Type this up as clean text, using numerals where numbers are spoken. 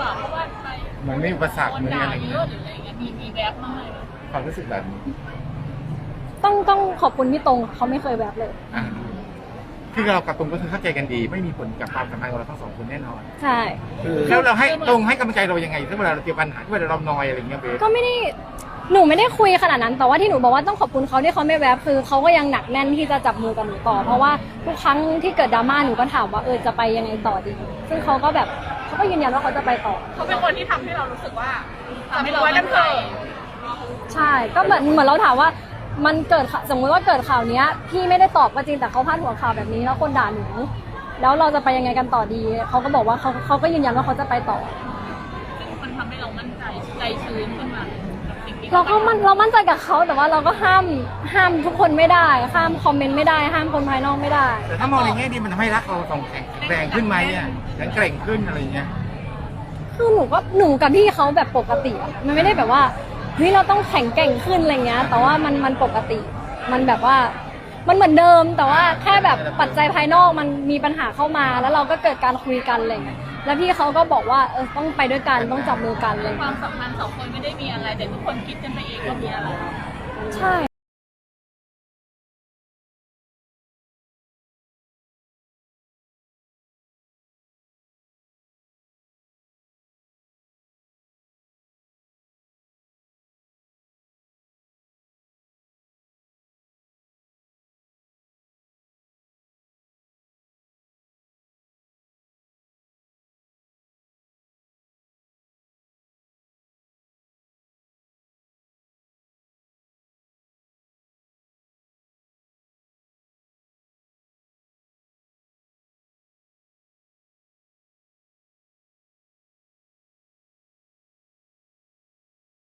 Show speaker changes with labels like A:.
A: ว่าเพราะว่าไป
B: มันไม่อุปสรรค
A: โดน
B: เหมือน
A: ด่า
B: อะไร
A: เย
B: เงี้
A: อะ
B: ย
A: หรืออะไรเงี้ยมีแวบมากเลย
B: ความรู้สึกแบบนี้
C: ต้องขอบคุณพี่ตรงเขาไม่เคยแบบเลย
B: อ่าคือเรากับตรงก็คือเข้าใจกันดี ไม่มีผลกับความสัมพันธ์ของเราทั้งสองคนแน่นอน
C: ใช่
B: แล้วเราให้ตรงให้กำลังใจเรายังไงถ้าเวลาเราเจอปัญหาที่เวลาเรานอยอะไรเงี้ยเบส
C: ก็ไม่ได้หนูไม่ได้คุยขนาดนั้น แต่ว่าที่หนูบอกว่าต้องขอบคุณเขาที่เขาไม่แวบคือเขาก็ยังหนักแน่นที่จะจับมือกับหนูต่อเพราะว่าทุกครั้งที่เกิดดราม่าหนูก็ถามว่าจะไปยังไงต่อดี ซึ่งเขาก็แบบเขาก็ยืนยันว่าเขาจะไปต่อ
A: เขาเป็นคนที่ทำให้เรารู้สึกว่าทำให้เรามั่นใจ
C: ใช่ก็เหมือนเราถามว่ามันเกิดสมมติว่าเกิดข่าวเนี้ยพี่ไม่ได้ตอบก็จริงแต่เขาพาดหัวข่าวแบบนี้แล้วคนด่าหนูแล้วเราจะไปยังไงกันต่อดีเขาก็บอกว่าเขาก็ยืนยันว่าเขาจะไปต่อ
A: ซึ่งมันทำให้เรามั่นใจใจชื้นขึ้นมากับสิ่งที่
C: เรามั่นใจกับเขาแต่ว่าเราก็ห้ามทุกคนไม่ได้ห้ามคอมเมนต์ไม่ได้ห้ามคนภายนอกไม่ได้
B: แต่ถ้ามองในแง่ดีมันทำให้รักเราสองแข็งแรงขึ้นไหมอ่ะแข็งแกร่งขึ้นอะไรเงี้ย
C: คือหนูกับพี่เขาแบบปกติอะมันไม่ได้แบบว่าเฮ้ยเราต้องแข็งแกร่งขึ้นอะไรเงี้ยแต่ว่ามันปกติมันแบบว่ามันเหมือนเดิมแต่ว่าแค่แบบปัจจัยภายนอกมันมีปัญหาเข้ามาแล้วเราก็เกิดการคุยกันอะไรเงี้ยแล้วพี่เขาก็บอกว่าต้องไปด้วยกันต้องจับมือกันอะไร
A: ควา
C: เงี้
A: ม
C: ย
A: สัมพันธ์สองคนไม่ได้มีอะไรแต่ทุกคนคิดกันไปเองว่ามีอะไร
C: ใช่